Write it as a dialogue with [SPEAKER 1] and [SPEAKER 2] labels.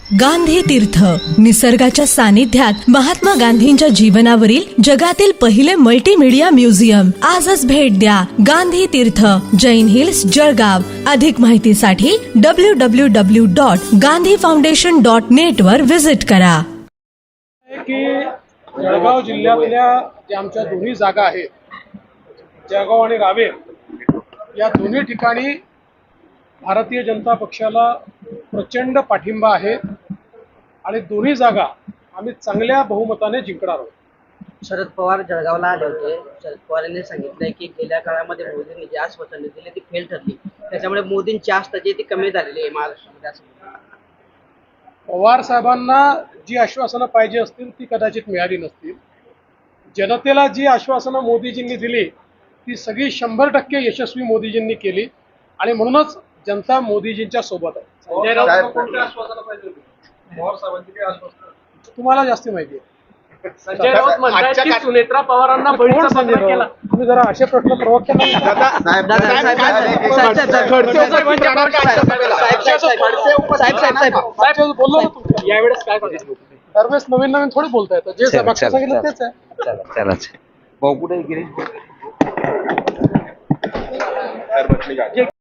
[SPEAKER 1] गांधी तीर्थ, निसर्गाच्या सानिध्यात महात्मा गांधींच्या जीवनावरील जगातील पहिले मल्टीमीडिया म्युझियम. आजच भेट द्या. गांधी तीर्थ, जैन हिल्स, जळगाव. अधिक माहितीसाठी www.gandhifoundation.net वर विजिट करा.
[SPEAKER 2] की जळगाव जिल्ह्यातल्या ज्या आमच्या दोन्ही जागा आहेत, जळगाव आणि रावेर, या दोन्ही ठिकाणी भारतीय जनता पक्षाला प्रचंड पाठिंबा आहे आणि दोन्ही जागा आम्ही चांगल्या बहुमताने जिंकणार आहोत.
[SPEAKER 3] शरद पवार जळगावला आले होते. शरद पवार यांनी सांगितलंय की गेल्या काळामध्ये मोदींनी जी आश्वासने दिली ती फेल ठरली, त्याच्यामुळे मोदींची आस्था जी ती कमी झालेली आहे महाराष्ट्रामध्ये असं.
[SPEAKER 2] पवार साहेबांना जी आश्वासनं पाहिजे असतील ती कदाचित मिळाली नसतील. जनतेला जी आश्वासनं मोदीजींनी दिली ती सगळी 100% यशस्वी मोदीजींनी केली आणि म्हणूनच जनता मोदीजींच्या सोबत आहे. संजय राऊत कोणत्या आश्वासनं पाहिजे होती? पवार साहेबांची काही आश्वासनं तुम्हाला जास्त माहिती आहे.
[SPEAKER 4] संजय राऊत म्हणतात की सुनेत्रा पवारांना बळीचा पत्र केला.
[SPEAKER 2] तुम्ही जरा असे प्रश्न प्रवक्त्यांना बोललो ना तुम्ही.
[SPEAKER 4] यावेळेस काय करायचं?
[SPEAKER 2] दरवेळेस नवीन नवीन थोडी बोलता येतं. जे मागचं सांगितलं तेच आहे.
[SPEAKER 5] भाऊ कुठे गिरीश?